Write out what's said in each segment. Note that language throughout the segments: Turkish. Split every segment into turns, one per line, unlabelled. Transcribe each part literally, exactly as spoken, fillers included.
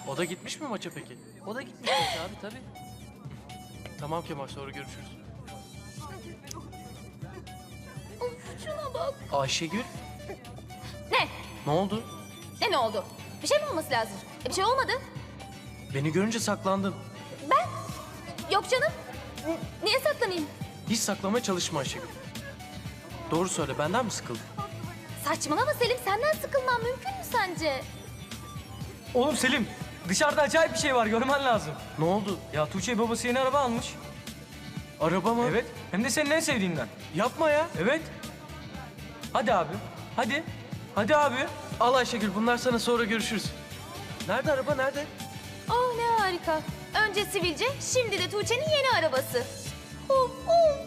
O da gitmiş mi maça peki?
O da gitmiş maça abi tabii.
Tamam Kemal, sonra görüşürüz.
Of şuna bak.
Ayşegül,
Ne?
ne oldu?
Ne ne oldu? Bir şey mi olması lazım? E, bir şey olmadı.
Beni görünce saklandın.
Ben? Yok canım. N- niye saklanayım?
Hiç saklamaya çalışma Ayşegül. Doğru söyle, benden mi sıkıldın?
Saçmalama Selim, senden sıkılmam mümkün mü sence?
Oğlum Selim, dışarıda acayip bir şey var, görmen lazım.
Ne oldu?
Ya Tuğçe babası yeni araba almış.
Araba mı?
Evet, hem de senin en sevdiğinden.
Yapma ya.
Evet. Hadi abi, hadi. Hadi abi.
Al Ayşegül, bunlar sana, sonra görüşürüz. Nerede araba, nerede?
Oh ne harika. Önce sivilce, şimdi de Tuğçe'nin yeni arabası. Oh, oh.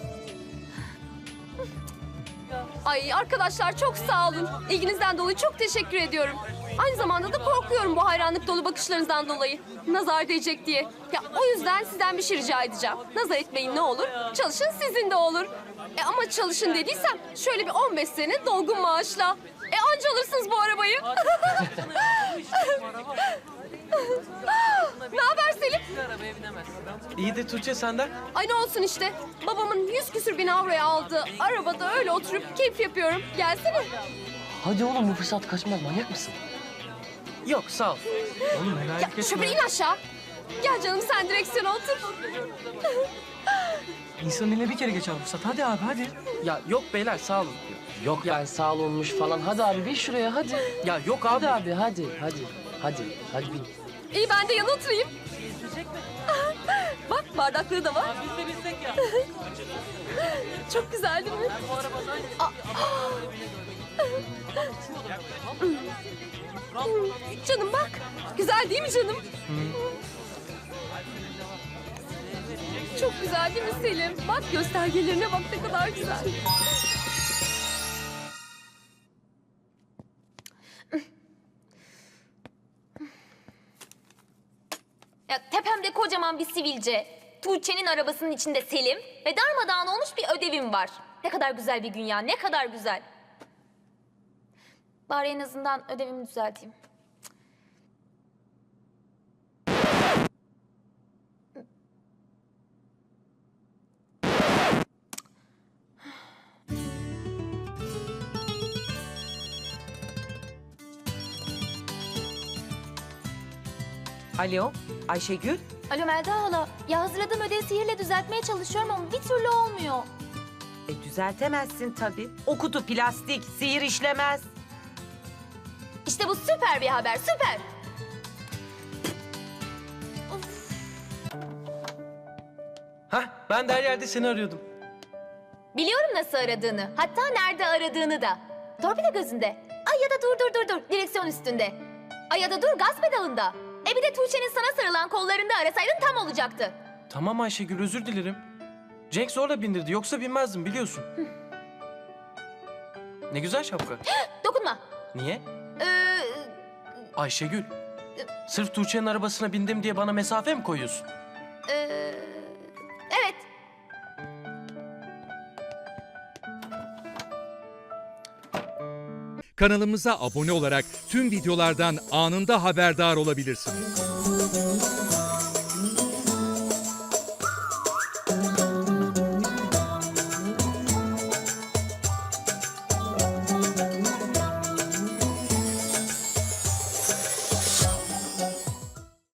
Ay arkadaşlar çok sağ olun. İlginizden dolayı çok teşekkür ediyorum. Aynı zamanda da korkuyorum bu hayranlık dolu bakışlarınızdan dolayı. Nazar değecek diye. Ya o yüzden sizden bir şey rica edeceğim. Nazar etmeyin ne olur. Çalışın sizin de olur. E ama çalışın dediysem şöyle bir on beş sene dolgun maaşla. E anca alırsınız bu arabayı. Ne haber Selim?
İyi de Tuğçe, senden.
Ay ne olsun işte. Babamın yüz küsür bin avroya aldığı arabada öyle oturup keyif yapıyorum. Gelsene.
Hadi oğlum, bu fırsat kaçmaz, manyak mısın?
Yok, sağ ol.
Oğlum merak
Ya
etme.
şoför in aşağı. Gel canım sen direksiyona otur.
İnsanın eline bir kere geçer fırsat. Hadi abi, hadi.
Ya yok beyler, sağ olun.
Yok ben sağ olmuş falan. Hadi abi bin şuraya hadi.
Ya yok abi.
Hadi abi hadi hadi. Hadi hadi bin.
İyi ben de yana oturayım. Bak bardaklığı da var.
Biz de bilsek ya.
Çok güzel değil mi?
Bu arabadan...
Canım bak. Güzel değil mi canım? Çok güzel değil mi Selim? Bak göstergelerine bak ne kadar güzel.
Ya tepemde kocaman bir sivilce, Tuğçe'nin arabasının içinde Selim ve darmadağın olmuş bir ödevim var. Ne kadar güzel bir gün ya, ne kadar güzel. Bari en azından ödevimi düzelteyim.
Alo, Ayşegül.
Alo Melda hala, ya hazırladığım ödevi sihirle düzeltmeye çalışıyorum ama bir türlü olmuyor.
E düzeltemezsin tabii. O kutu plastik, sihir işlemez.
İşte bu süper bir haber, süper.
Hah, ben de her yerde seni arıyordum.
Biliyorum nasıl aradığını, hatta nerede aradığını da. Torpido gözünde. Ay ya da dur dur dur dur, direksiyon üstünde. Ay ya da dur gaz pedalında. E bir de Tuğçe'nin sana sarılan kollarında arasaydın tam olacaktı.
Tamam Ayşegül, özür dilerim. Cenk zorla bindirdi, yoksa binmezdim biliyorsun. Ne güzel şapka.
Dokunma.
Niye?
Ee,
Ayşegül, sırf Tuğçe'nin arabasına bindim diye bana mesafe mi koyuyorsun?
e, evet.
Kanalımıza abone olarak tüm videolardan anında haberdar olabilirsiniz.